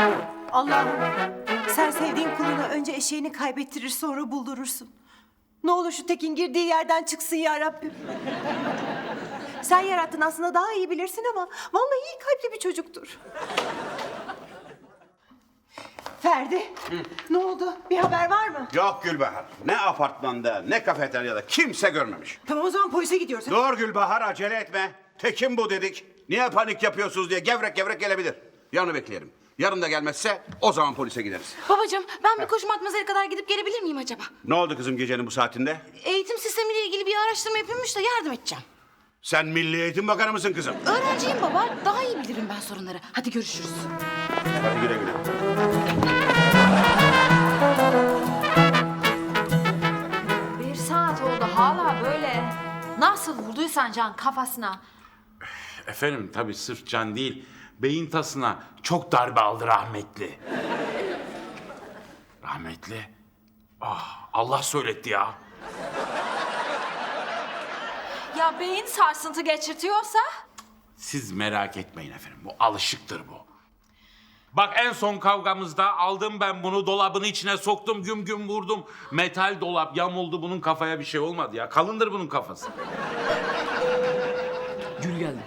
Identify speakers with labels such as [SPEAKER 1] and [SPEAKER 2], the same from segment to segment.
[SPEAKER 1] Allah'ım, sen sevdiğin kuluna önce eşeğini kaybettirir sonra buldurursun. Ne olur şu Tekin girdiği yerden çıksın ya Rabbim. Sen yarattın, aslında daha iyi bilirsin ama vallahi iyi kalpli bir çocuktur. Ferdi, ne oldu? Bir haber var mı?
[SPEAKER 2] Yok Gülbahar. Ne apartmanda ne kafeteryada kimse görmemiş.
[SPEAKER 1] Tamam, o zaman polise gidiyoruz.
[SPEAKER 2] Dur Gülbahar, acele etme. Tekin bu dedik. Niye panik yapıyorsunuz diye gevrek gevrek gelebilir. Yarını bekleyelim. Yarın da gelmezse o zaman polise gideriz.
[SPEAKER 3] Babacığım, ben bir koşu matmazara kadar gidip gelebilir miyim acaba?
[SPEAKER 2] Ne oldu kızım gecenin bu saatinde?
[SPEAKER 3] Eğitim sistemiyle ilgili bir araştırma yapılmış da yardım edeceğim.
[SPEAKER 2] Sen Milli Eğitim Bakanı mısın kızım?
[SPEAKER 3] Öğrenciyim baba, daha iyi bilirim ben sorunları. Hadi görüşürüz.
[SPEAKER 2] Hadi güle güle.
[SPEAKER 4] Bir saat oldu hala böyle. Nasıl vurduysan Can kafasına?
[SPEAKER 5] Efendim tabii sırf can değil, beyin tasına çok darbe aldı rahmetli. Rahmetli? Ah, Allah söyletti ya.
[SPEAKER 4] Ya beyin sarsıntı geçirtiyorsa?
[SPEAKER 5] Siz merak etmeyin efendim, bu alışıktır bu. Bak en son kavgamızda aldım ben bunu, dolabın içine soktum, güm güm vurdum. Metal dolap yamuldu, bunun kafaya bir şey olmadı ya. Kalındır bunun kafası.
[SPEAKER 6] Gül geldi.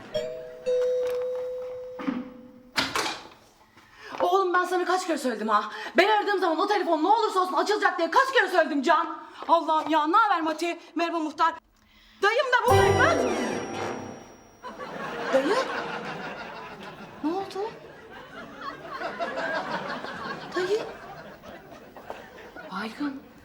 [SPEAKER 3] Oğlum ben sana kaç kere söyledim ha? Ben aradığım zaman o telefon ne olursa olsun açılacak diye kaç kere söyledim Can? Allah'ım ya, ne haber Mati? Merhaba muhtar. Dayım da buradaymış. Dayı? Ne oldu? Dayı? Baygın.